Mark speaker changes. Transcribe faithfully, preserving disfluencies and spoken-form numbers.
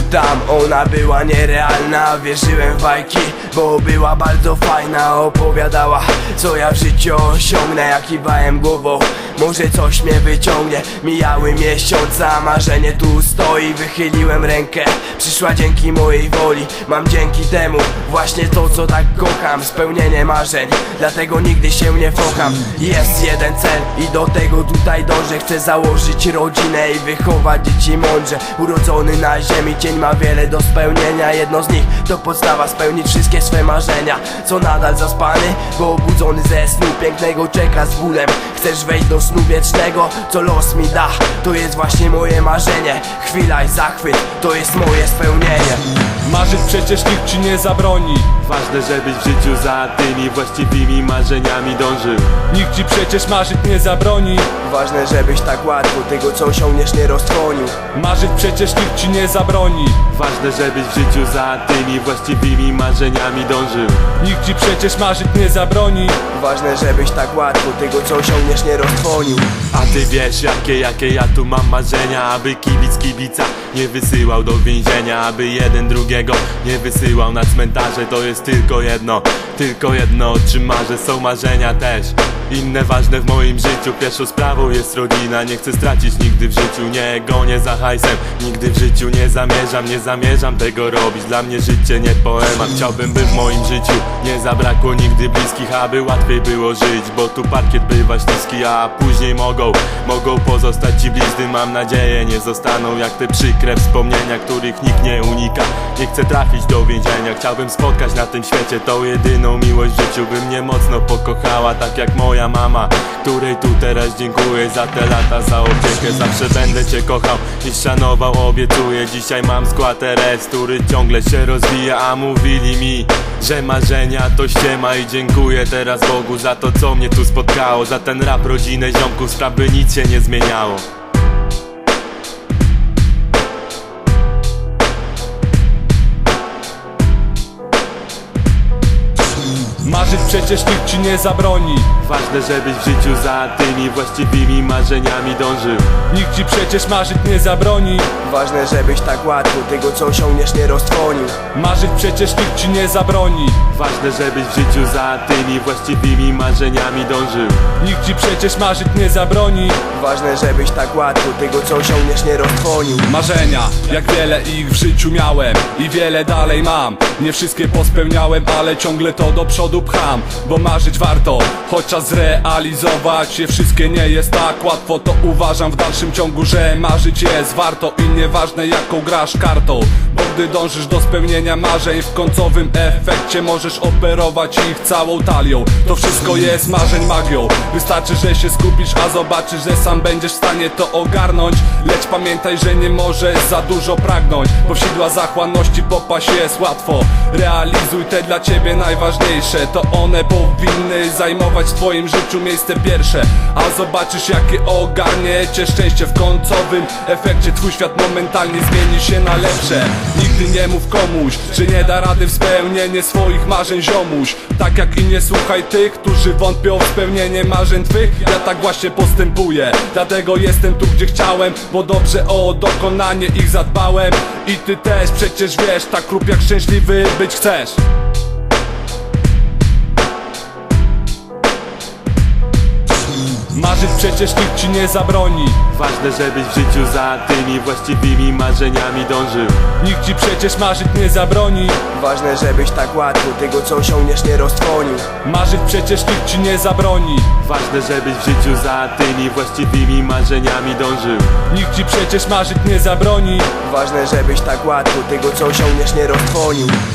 Speaker 1: tam. Ona była nierealna, wierzyłem w bajki, bo była bardzo fajna. Opowiadała, co ja w życiu osiągnę. Ja kiwałem głową, może coś mnie wyciągnie. Mijały miesiące, a marzenie tu stoi. Wychyliłem rękę, przyszła dzięki mojej woli. Mam dzięki temu właśnie to, co tak kocham. Spełnienie marzeń, dlatego nigdy się nie focham. Jest jeden cel i do tego tutaj dążę. Chcę założyć rodzinę i wychować dzieci mądrze. Urodzony na ziemi cień ma wiele do spełnienia. Jedno z nich to podstawa, spełnić wszystkie swe marzenia. Co nadal zaspany, bo obudzony ze snu pięknego czeka z bólem. Chcesz wejść do snu wiecznego, co los mi da. To jest właśnie moje marzenie. Chwila i zachwyt, to jest moje spełnienie.
Speaker 2: Marzyć przecież nikt ci nie zabroni.
Speaker 3: Ważne, żebyś w życiu za tymi właściwymi marzeniami dążył.
Speaker 2: Nikt ci przecież marzyć nie zabroni.
Speaker 1: Ważne, żebyś tak łatwo tego, co osiągniesz, nie roztrwonił.
Speaker 2: Marzyć przecież nikt ci nie zabroni.
Speaker 3: Ważne, żebyś w życiu za tymi właściwymi marzeniami dążył.
Speaker 2: Nikt ci przecież marzyć nie zabroni.
Speaker 1: Ważne, żebyś tak łatwo tego, co osiągniesz, nie roztrwonił.
Speaker 3: A ty wiesz, jakie, jakie ja tu mam marzenia. Aby kibic kibica nie wysyłał do więzienia. Aby jeden drugiego nie wysyłał na cmentarze. To jest tylko jedno, tylko jedno, o czym marzę. Są marzenia też inne ważne w moim życiu. Pierwszą sprawą jest rodzina. Nie chcę stracić nigdy w życiu. Nie gonię za hajsem, nigdy w życiu nie zamierzam. Nie zamierzam tego robić. Dla mnie życie nie poemat. Chciałbym, by w moim życiu nie zabrakło nigdy bliskich, aby łatwiej było żyć. Bo tu parkiet bywa śliski, a później mogą Mogą pozostać ci blizny. Mam nadzieję, nie zostaną jak te przykre wspomnienia, których nikt nie unika. Nie chcę trafić do więzienia. Chciałbym spotkać na tym świecie tą jedyną miłość w życiu, by mnie mocno pokochała, tak jak moja mama, której tu teraz dziękuję za te lata, za opiekę. Zawsze będę cię kochał i szanował, obiecuję. Dzisiaj mam skład R S, który ciągle się rozwija, a mówili mi, że marzenia to ściema. I dziękuję teraz Bogu za to, co mnie tu spotkało. Za ten rap, rodzinę, ziomków, spraw, by nic się nie zmieniało.
Speaker 2: Marzyć przecież nikt ci nie zabroni.
Speaker 3: Ważne, żebyś w życiu za tymi właściwymi marzeniami dążył.
Speaker 2: Nikt ci przecież marzyć nie zabroni.
Speaker 1: Ważne, żebyś tak łatwo tego, co osiągniesz, nie roztrwonił.
Speaker 2: Marzyć przecież nikt ci nie zabroni.
Speaker 3: Ważne, żebyś w życiu za tymi właściwymi marzeniami dążył.
Speaker 2: Nikt ci przecież marzyć nie zabroni.
Speaker 1: Ważne, żebyś tak łatwo tego, co osiągniesz, nie roztrwonił.
Speaker 2: Marzenia, jak wiele ich w życiu miałem i wiele dalej mam. Nie wszystkie pospełniałem, ale ciągle to do przodu pcham. Bo marzyć warto, chociaż zrealizować je wszystkie nie jest tak łatwo. To uważam w dalszym ciągu, że marzyć jest warto. I nieważne jaką grasz kartą, bo gdy dążysz do spełnienia marzeń, w końcowym efekcie możesz operować ich całą talią. To wszystko jest marzeń magią. Wystarczy, że się skupisz, a zobaczysz, że sam będziesz w stanie to ogarnąć. Lecz pamiętaj, że nie możesz za dużo pragnąć, bo w sidła zachłanności popaść jest łatwo. Realizuj te dla ciebie najważniejsze, to one powinny zajmować w twoim życiu miejsce pierwsze. A zobaczysz, jakie ogarnie cię szczęście. W końcowym efekcie twój świat momentalnie zmieni się na lepsze. Nigdy nie mów komuś, że nie da rady w spełnienie swoich marzeń, ziomuś. Tak jak i nie słuchaj tych, którzy wątpią w spełnienie marzeń twych. Ja tak właśnie postępuję, dlatego jestem tu, gdzie chciałem, bo dobrze o dokonanie ich zadbałem. I ty też przecież wiesz, tak rób jak szczęśliwy być chcesz. Marzyć przecież nikt ci nie zabroni.
Speaker 3: Ważne, żebyś w życiu za tymi właściwymi marzeniami dążył.
Speaker 2: Nikt ci przecież marzyć nie zabroni.
Speaker 1: Ważne, żebyś tak łatwo tego, co osiągniesz, nie roztrwonił.
Speaker 2: Marzyć przecież nikt ci nie zabroni.
Speaker 3: Ważne, żebyś w życiu za tymi właściwymi marzeniami dążył.
Speaker 2: Nikt ci przecież marzyć nie zabroni.
Speaker 1: Ważne, żebyś tak łatwo tego, co osiągniesz, nie roztrwonił.